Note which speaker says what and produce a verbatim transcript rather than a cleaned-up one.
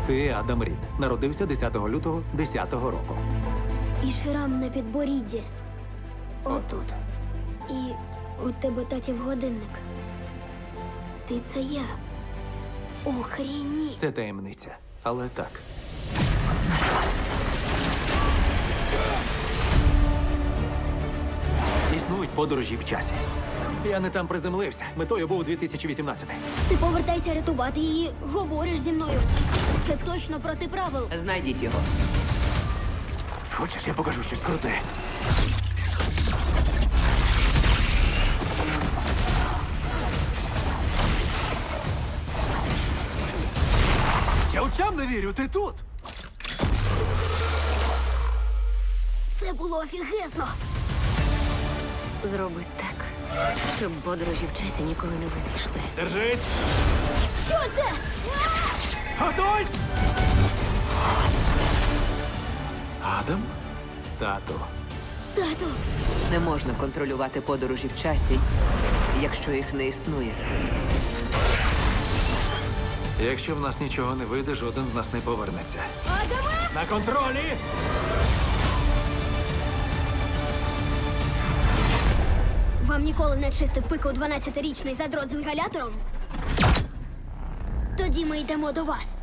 Speaker 1: Ти Адам Рід. Народився десятого лютого десятого року.
Speaker 2: І шрам на підборідді.
Speaker 1: Отут.
Speaker 2: І у тебе татів годинник. Ти це я. Охреніть.
Speaker 1: Це таємниця. Але так. Існують подорожі в часі. Я не там приземлився. Метою був дві тисячі вісімнадцятий.
Speaker 2: Ти повертайся рятувати її, говориш зі мною. Це точно проти правил.
Speaker 3: Знайдіть його.
Speaker 1: Хочеш, я покажу щось круте? Я очам не вірю, ти тут!
Speaker 2: Це було офігезно.
Speaker 4: Зроби так, щоб подорожі в часі ніколи не винайшли.
Speaker 1: Держись!
Speaker 2: Що це?
Speaker 1: Готуйсь! Адам? Тату.
Speaker 2: Тату,
Speaker 3: Не можна контролювати подорожі в часі, якщо їх не існує.
Speaker 1: Якщо в нас нічого не вийде, жоден з нас не повернеться.
Speaker 2: Адаме!
Speaker 1: На контролі!
Speaker 2: Вам ніколи не чистив пику дванадцятирічний задрот з інгалятором? Тоді ми йдемо до вас.